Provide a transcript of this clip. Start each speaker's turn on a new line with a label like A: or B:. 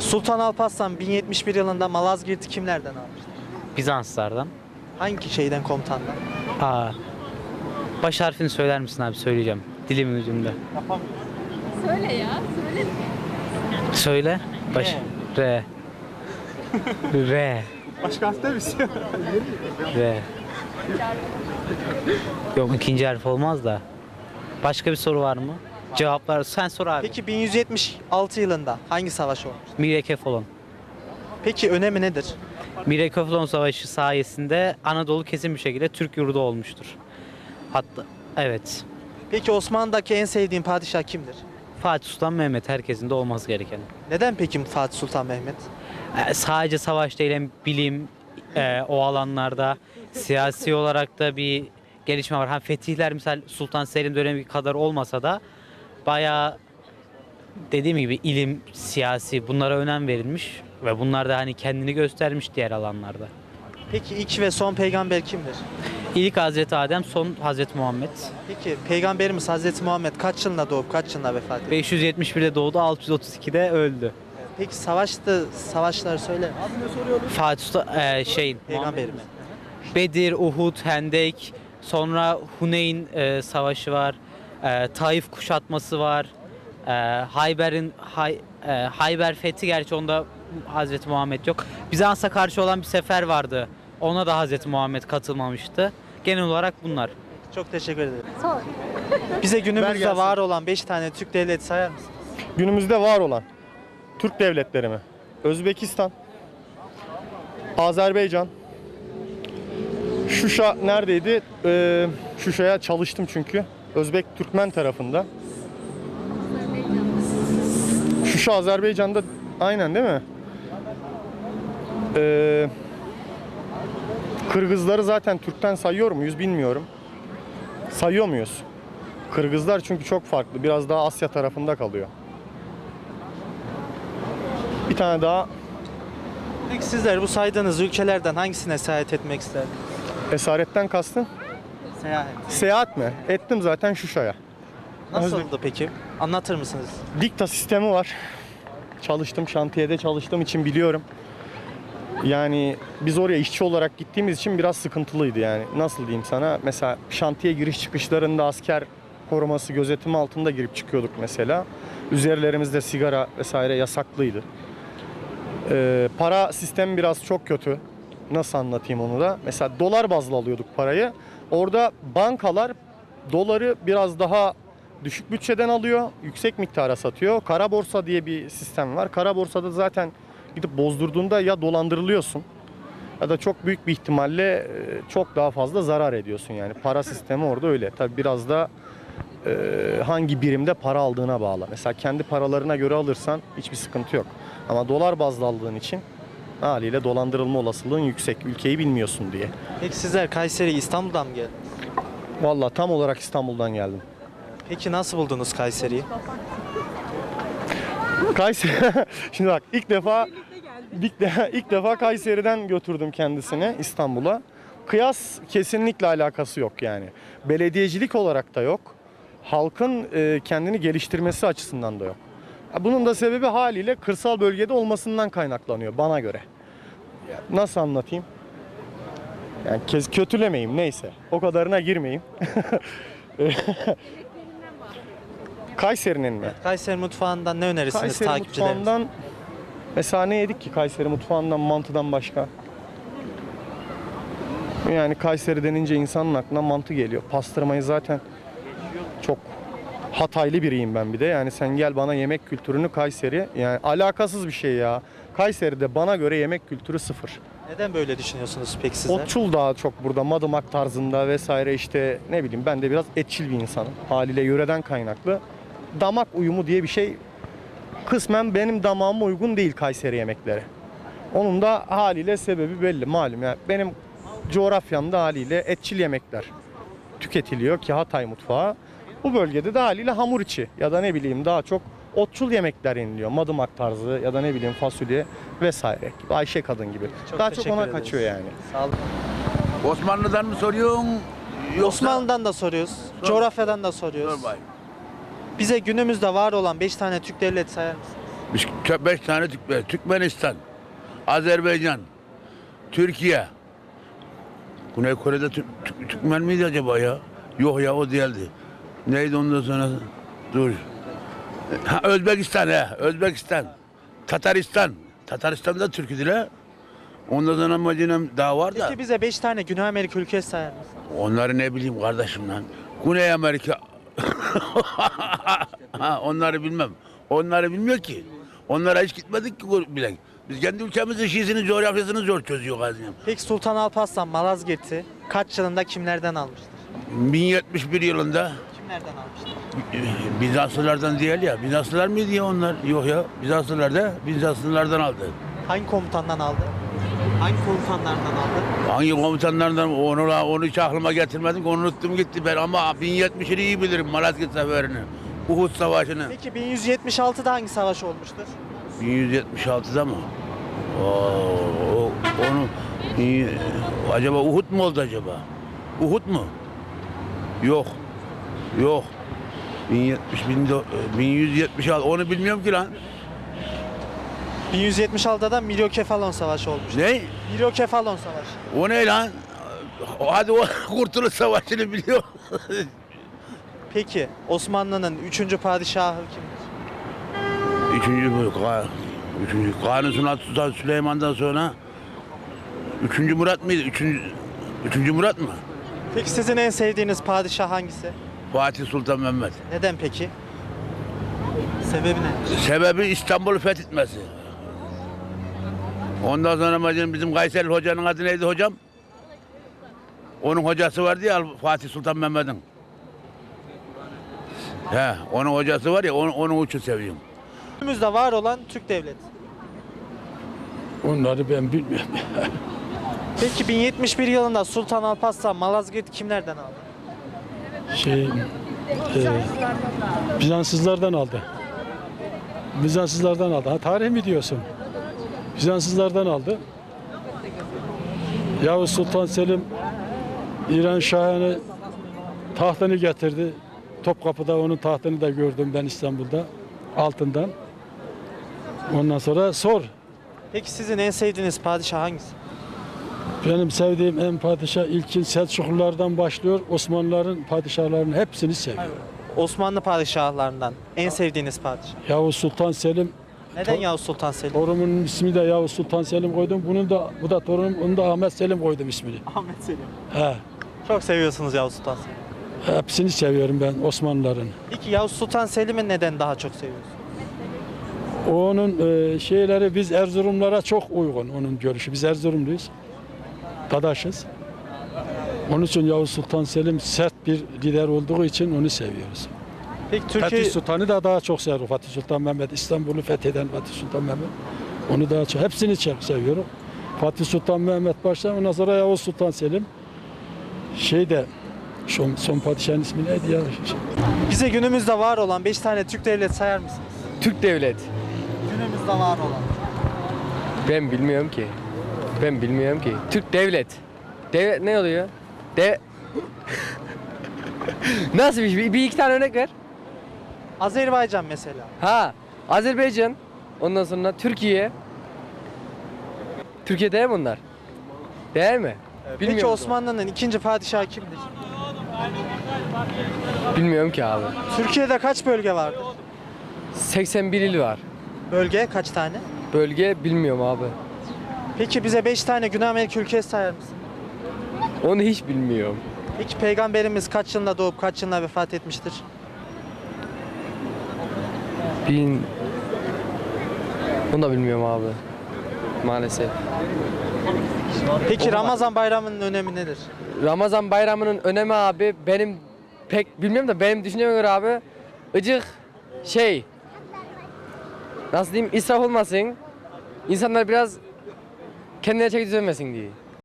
A: Sultan Alparslan 1071 yılında Malazgirt'i kimlerden almıştı?
B: Bizanslardan.
A: Hangi şeyden, komutandan?
B: Aa, baş harfini söyler misin abi? Söyleyeceğim. Dilimin ucunda.
C: Söyle ya, söyle.
B: Söyle. R. R.
A: Başka harf değil misin?
B: R. Yok, ikinci harf olmaz da. Başka bir soru var mı? Cevaplar sen sor abi.
A: Peki 1176 yılında hangi savaş olmuş?
B: Mirekefalon.
A: Peki önemi nedir?
B: Mirekefalon Savaşı sayesinde Anadolu kesin bir şekilde Türk yurdu olmuştur. Hatta evet.
A: Peki Osmanlı'daki en sevdiğin padişah kimdir?
B: Fatih Sultan Mehmet, herkesin de olması gereken.
A: Neden peki Fatih Sultan Mehmet?
B: Sadece savaş değil, hem bilim, o alanlarda siyasi olarak da bir gelişme var. Hem fetihler misal Sultan Selim dönemi kadar olmasa da bayağı, dediğim gibi, ilim, siyasi, bunlara önem verilmiş ve bunlar da hani kendini göstermiş diğer alanlarda.
A: Peki ilk ve son peygamber kimdir?
B: İlk Hazreti Adem, son Hazreti Muhammed.
A: Peki peygamberimiz Hazreti Muhammed kaç yılında doğup kaç yılında vefat etti?
B: 571'de doğdu, 632'de öldü.
A: Peki savaşları söyle.
B: Fatih Sultan,
A: Peygamberimiz.
B: Bedir, Uhud, Hendek, sonra Huneyn savaşı var, Taif kuşatması var, Hayber fethi, gerçi onda Hazreti Muhammed yok. Bizans'a karşı olan bir sefer vardı, ona da Hazreti Muhammed katılmamıştı. Genel olarak bunlar.
A: Çok teşekkür ederim.
C: Sor.
A: Bize
D: Ver
A: günümüzde
D: gelsin.
A: var olan 5 tane Türk devleti sayar mısın?
D: Günümüzde var olan Türk devletleri mi? Özbekistan, Azerbaycan, Şuşa neredeydi? Şuşa'ya çalıştım çünkü. Özbek Türkmen tarafında. Şuşa Azerbaycan'da, aynen değil mi? Kırgızları zaten Türk'ten sayıyor muyuz bilmiyorum. Sayıyor muyuz? Kırgızlar çünkü çok farklı. Biraz daha Asya tarafında kalıyor. Bir tane daha
A: Peki sizler bu saydığınız ülkelerden hangisine seyahat etmek isterdiniz?
D: esaretten kastın.
A: Seyahat.
D: Seyahat mi? Ettim zaten Şuşa'ya.
A: Nasıldı peki? Anlatır mısınız?
D: Dikta sistemi var. Çalıştım, şantiyede çalıştığım için biliyorum. Yani biz oraya işçi olarak gittiğimiz için biraz sıkıntılıydı yani. Nasıl diyeyim sana? Mesela şantiye giriş çıkışlarında asker koruması, gözetimi altında girip çıkıyorduk mesela. Üzerlerimizde sigara vesaire yasaklıydı. Para sistemi biraz çok kötü. Nasıl anlatayım onu da? Mesela dolar bazlı alıyorduk parayı. Orada bankalar doları biraz daha düşük bütçeden alıyor, yüksek miktara satıyor. Kara borsa diye bir sistem var. Kara borsada zaten gidip bozdurduğunda ya dolandırılıyorsun ya da çok büyük bir ihtimalle çok daha fazla zarar ediyorsun yani. Para sistemi orada öyle. Tabii biraz da hangi birimde para aldığına bağlı. Mesela kendi paralarına göre alırsan hiçbir sıkıntı yok. Ama dolar bazlı aldığın için haliyle dolandırılma olasılığın yüksek. Ülkeyi bilmiyorsun diye.
A: Peki sizler Kayseri, İstanbul'dan mı geldiniz?
D: Vallahi tam olarak İstanbul'dan geldim.
A: Peki nasıl buldunuz Kayseri'yi?
D: Kayseri. Şimdi bak ilk defa Kayseri'den götürdüm kendisini İstanbul'a. Kıyas kesinlikle alakası yok yani. Belediyecilik olarak da yok. Halkın kendini geliştirmesi açısından da yok. Bunun da sebebi haliyle kırsal bölgede olmasından kaynaklanıyor bana göre. Nasıl anlatayım? Yani kötülemeyeyim, neyse. O kadarına girmeyeyim. Kayseri'nin mi?
A: Kayseri mutfağından ne önerirsiniz
D: Kayseri
A: takipçilerimize?
D: mutfağından mesela ne yedik ki Kayseri mutfağından, mantıdan başka? Yani Kayseri denince insanın aklına mantı geliyor. Pastırmayı zaten çok Hataylı biriyim ben bir de. Yani sen gel bana yemek kültürünü Kayseri, yani alakasız bir şey ya. Kayseri'de bana göre yemek kültürü sıfır.
A: Neden böyle düşünüyorsunuz peki sizler?
D: Otçul daha çok burada, Madımak tarzında vesaire, işte ne bileyim, ben de biraz etçil bir insanım. Haliyle yöreden kaynaklı. Damak uyumu diye bir şey kısmen benim damağıma uygun değil Kayseri yemekleri. Onun da haliyle sebebi belli malum. Yani benim coğrafyamda haliyle etçil yemekler tüketiliyor ki Hatay mutfağı. Bu bölgede de haliyle hamur içi ya da ne bileyim daha çok otçul yemekler yeniliyor. Madımak tarzı ya da ne bileyim fasulye vesaire. Ayşe kadın gibi. Daha çok
A: teşekkür
D: ona
A: ederiz.
D: kaçıyor yani.
A: Sağ olun.
E: Osmanlı'dan mı soruyorsun? Yoksa...
A: Osmanlı'dan da soruyoruz, coğrafyadan da soruyoruz.
E: Sor bakayım.
A: Bize günümüzde var olan 5 tane Türk devleti sayar mısınız?
E: Biz 5 tane Türkmenistan, Azerbaycan, Türkiye. Güney Kore'de Türkmen miydi acaba ya? Yok ya, o değildi. Neydi ondan sonra? Dur. Ha, Özbekistan Özbekistan. Tataristan. Tataristan'da Türk'üdür. Ondan sonra amacına daha var da.
A: Peki bize 5 tane Güney Amerika ülkesi sayar mısın?
E: Onları ne bileyim kardeşim lan. Güney Amerika. Ha, onları bilmem. Onları bilmiyor ki. Onlara hiç gitmedik ki bile. Biz kendi ülkemizin şiisini, coğrafyasını zor çözüyor Gazi'm.
A: Peki Sultan Alparslan Malazgirt'i kaç yılında kimlerden almıştır?
E: 1071 yılında
A: Kimlerden almıştır?
E: Bizanslılardan değil ya. Bizanslılar mıydı ya onlar? Yok ya. Bizanslılardan aldı.
A: Hangi komutandan aldı? Hangi komutanlardan aldı?
E: Hangi komutanlardan onu hiç aklıma getirmedim. Onu unuttum gitti ben, ama 1070'i iyi bilirim, Malazgirt Seferi'ni. Uhud Savaşı'nı.
A: Peki 1176'da hangi savaş olmuştur?
E: 1176'da mı? Onu acaba Uhud mu oldu acaba? Uhud mu? Yok. 1176 onu bilmiyorum ki lan.
A: 1176'da da Miryokefalon Savaşı olmuştur.
E: Ne?
A: Miryokefalon Savaşı.
E: O ne lan? Hadi o Kurtuluş Savaşı'nı biliyor.
A: Peki Osmanlı'nın 3. padişahı kimdir?
E: Üçüncü Kanuni Sultan Süleyman'dan sonra üçüncü Murat mıydı? Üçüncü Murat mı?
A: Peki sizin en sevdiğiniz padişah hangisi?
E: Fatih Sultan Mehmet.
A: Neden peki? Sebebi ne?
E: Sebebi İstanbul'u fethetmesi. Ondan sonra bizim Kayseri hocanın adı neydi hocam? Onun hocası vardı ya, Fatih Sultan Mehmet'in. Onun hocası var ya, onun için seviyorum.
A: Günümüzde var olan Türk devleti.
F: Onları ben bilmiyorum.
A: Peki 1071 yılında Sultan Alparslan Malazgirt'i kimlerden aldı?
F: Bizanslılardan aldı. Bizanslılardan aldı. Ha, tarih mi diyorsun? Bizanslılardan aldı. Yavuz Sultan Selim İran Şahı'nı tahtını getirdi. Topkapı'da onun tahtını da gördüm ben İstanbul'da. Altından. Ondan sonra sor.
A: Peki sizin en sevdiğiniz padişah hangisi?
F: Benim sevdiğim en padişah ilkin Selçuklulardan başlıyor. Osmanlıların padişahlarının hepsini seviyorum.
A: Osmanlı padişahlarından en sevdiğiniz padişah.
F: Yavuz Sultan Selim,
A: Neden Yavuz Sultan Selim?
F: torunumun ismi de Yavuz Sultan Selim koydum. Bu da torunum, onu da Ahmet Selim koydum ismini.
A: Ahmet Selim.
F: He.
A: Çok seviyorsunuz Yavuz Sultan Selim.
F: Hepsini seviyorum ben Osmanlıların.
A: Peki Yavuz Sultan Selim'i neden daha çok seviyorsunuz?
F: Onun şeyleri biz Erzurumlara çok uygun onun görüşü. Biz Erzurumluyuz. Dadaşız. Onun için Yavuz Sultan Selim sert bir lider olduğu için onu seviyoruz.
A: Peki
F: Fatih
A: Türkiye
F: Sultan'ı da daha çok seviyorum. Fatih Sultan Mehmet, İstanbul'u fetheden Fatih Sultan Mehmet. Onu daha çok, hepsini çok seviyorum. Fatih Sultan Mehmet başta, ondan sonra Yavuz Sultan Selim. Son padişahın ismi neydi ya?
A: bize günümüzde var olan 5 tane Türk devleti sayar mısınız?
G: Türk devlet.
A: Günümüzde var olan.
G: Ben bilmiyorum ki. Türk devlet. Devlet ne oluyor? Nasıl bir şey? Bir iki tane örnek ver.
A: Azerbaycan mesela.
G: Ha, Azerbaycan. Ondan sonra Türkiye. Türkiye değil mi onlar? Değil mi?
A: Peki
G: Bilmiyorum.
A: Osmanlı'nın 2. padişahı kimdir?
G: Bilmiyorum ki abi.
A: Türkiye'de kaç bölge vardır?
G: 81 il var.
A: Bölge kaç tane?
G: Bölge bilmiyorum abi.
A: Peki bize 5 tane Güney Amerika ülkesi sayar mısın?
G: Onu hiç bilmiyorum.
A: Peki Peygamberimiz kaç yılında doğup kaç yılında vefat etmiştir?
G: Onu da bilmiyorum abi. Maalesef.
A: Peki Ramazan bayramının önemi nedir?
G: Ramazan bayramının önemi abi benim pek bilmiyorum da benim düşünceme göre abi nasıl diyeyim, israf olmasın. İnsanlar biraz kendine çeki düzenmesin diye.